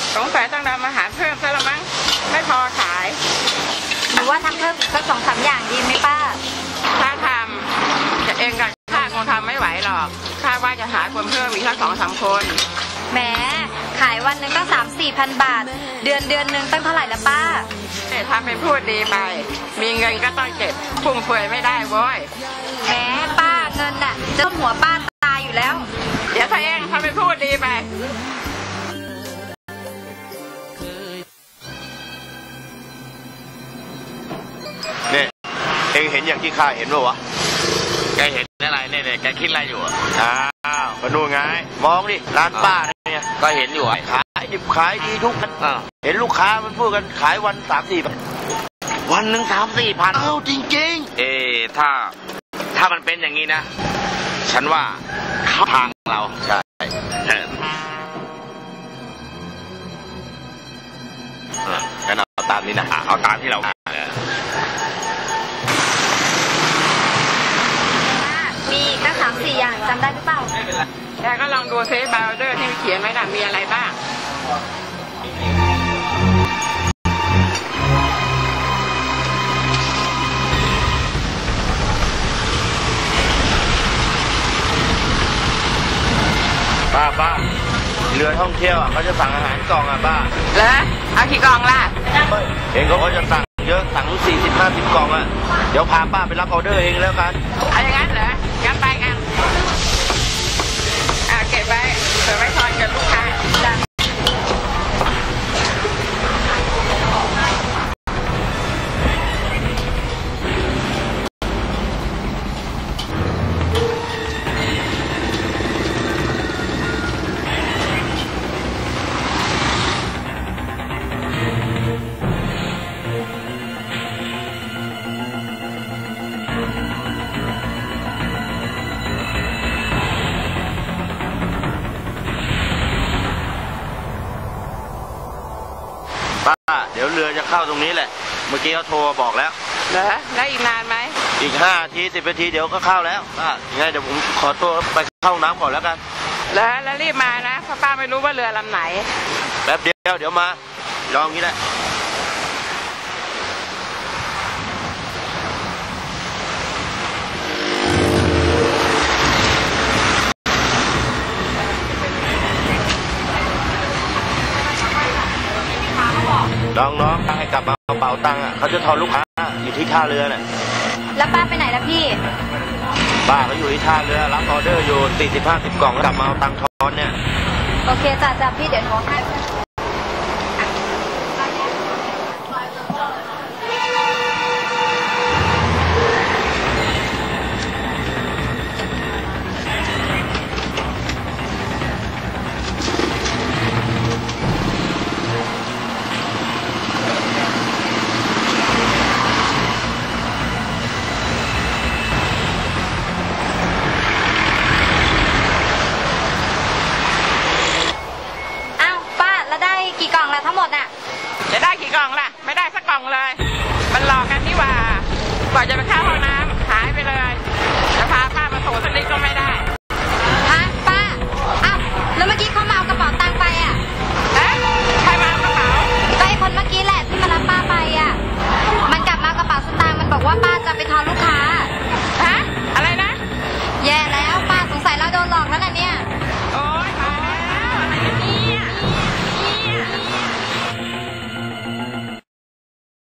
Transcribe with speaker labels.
Speaker 1: สงสัยต้องทำอาหารเพิ่มซะละมั้งไม่พอขาย
Speaker 2: หรือว่าทำเพิ่มอีกสัก2-3 อย่างดีไหมป้า
Speaker 1: ถ้าทำจะเองกับข้าคงทำไม่ไหวหรอกข้าว่าจะหาคนเพิ่มอีกสัก2-3 คน
Speaker 2: แหมขายวันหนึ่งตั้ง3-4 พันบาทเดือนหนึ่งตั้งเท่าไหร่ละป้า
Speaker 1: ทำเป็นพูดดีไปมีเงินก็ต้องเก็บฟุ่มเฟือยไม่ได้โว้ย
Speaker 2: แหมป้าเงินน่ะจะหัวป้าตายอยู่แล้ว
Speaker 1: เดี๋ยวถ้าเองทำเป็นพูดดีไป
Speaker 3: เนี่ยเองเห็นอย่างที่ข้าเห็นป่าววะ
Speaker 4: แกเห็นอะไรเนี่ยแกคิดอะไรอยู่
Speaker 3: อ้าวมาดูไงมองดิร้านป้าเนี่ย
Speaker 4: ก็เห็นอยู่
Speaker 3: ขายดิบขายดีทุกวันเห็นลูกค้ามันพูดกันขายวัน3-4 พัน
Speaker 4: วันหนึ่ง3-4 พัน
Speaker 3: จริง
Speaker 4: ๆถ้ามันเป็นอย่างนี้นะฉันว่าเขาทางเรา
Speaker 3: ใช่งั้นเอาตามนี้นะ
Speaker 4: เอาตามที่เรา
Speaker 2: มีตั้ง3-4 อย่างจำได้หรือเปล่า
Speaker 1: แกก็ลองดูเซฟบาวเดอร์ที่เขียนไว้น่ะมีอะไรบ้าง
Speaker 3: ป้าเรือท่องเที่ยวเขาจะสั่งอาหารกล่องป้า
Speaker 1: แล้วเอากี่กล่องล่ะ
Speaker 3: เองเขาจะสั่งเยอะสั่ง40-50 กล่องเดี๋ยวพาป้าไปรับออเดอร์เองแล้วกัน
Speaker 1: เอาอย่างนั้นเหรองั้นไปกันเก็บไว้เผื่อไว้ทอนกับลูกค้า
Speaker 3: เดี๋ยวเรือจะเข้าตรงนี้แหละเมื่อกี้เขาโทรบอกแล้ว
Speaker 1: เหรอแล้วอีกนานไหม
Speaker 3: อีก5 นาที 10 นาทีเดี๋ยวก็เข้าแล้วยังไงเดี๋ยวผมขอตัวไปเข้าน้ำก่อนแล้วกัน
Speaker 1: แล้วรีบมานะเพราะป้าไม่รู้ว่าเรือลำไหน
Speaker 3: แป๊บเดียวเดี๋ยวมาลองงี้แหละน้องให้กลับมาเอาเป๋าตังค์เขาจะทอนลูกค้าอยู่ที่ท่าเรือน่ะ
Speaker 2: แล้วป้าไปไหนล่ะพี่
Speaker 3: ป้าเขาอยู่ที่ท่าเรือรับออเดอร์อยู่40-50 กล่องแล้วกลับมาเอาตังค์ทอนเนี่ย
Speaker 2: โอเคจ้ะพี่เดี๋ยวโทรให้กี่กล่องละทั้งหมดน่ะ
Speaker 1: จะได้กี่กล่องล่ะไม่ได้สักกล่องเลยมันหลอกกันนี่หว่ากว่าจะไปเข้าห้องน้ำหายไปเลยจะพาป้ามาโถสักนิดก็ไม่ได้
Speaker 2: ฮะป้าอ้าวแล้วเมื่อกี้เขา